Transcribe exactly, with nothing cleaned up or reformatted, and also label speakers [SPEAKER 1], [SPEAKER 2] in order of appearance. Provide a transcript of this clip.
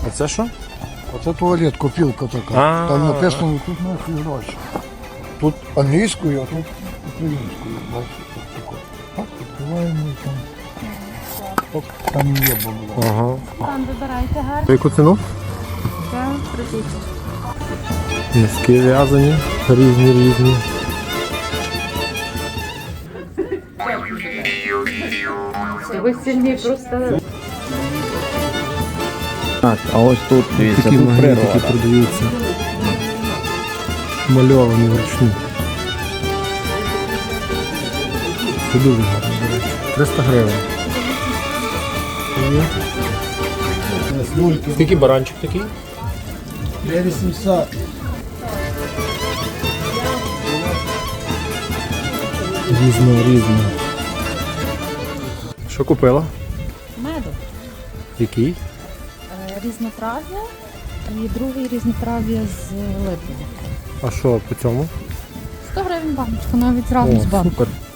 [SPEAKER 1] А це що?
[SPEAKER 2] Оце туалет, копілка така.
[SPEAKER 1] А.
[SPEAKER 2] Там написано, тут наші гроші. Тут англійською, а тут українською. Бачите, тут таке. Так, відкриваємо і там. Оп, там і є бабло.
[SPEAKER 1] Ага.
[SPEAKER 3] Там вибирайте гарно.
[SPEAKER 1] За яку ціну?
[SPEAKER 3] Це просіть.
[SPEAKER 1] Носки в'язані, різні різні.
[SPEAKER 3] Ви сильні просто.
[SPEAKER 4] Так, а ось тут, дивіться,
[SPEAKER 1] Такі
[SPEAKER 4] тут
[SPEAKER 1] магнітики
[SPEAKER 4] природа.
[SPEAKER 1] продаються. Мальовані вручну. Це дуже гарно, до речі. триста гривень. Скільки баранчик такий?
[SPEAKER 2] вісімсот.
[SPEAKER 1] Різно, різно. Що купила?
[SPEAKER 3] Меду.
[SPEAKER 1] Який?
[SPEAKER 3] Е, Різнотрав'я і другий різнотрав'я з липня.
[SPEAKER 1] А що по цьому?
[SPEAKER 3] сто гривень баночка, навіть разом з
[SPEAKER 1] О,
[SPEAKER 3] банкою.
[SPEAKER 1] супер.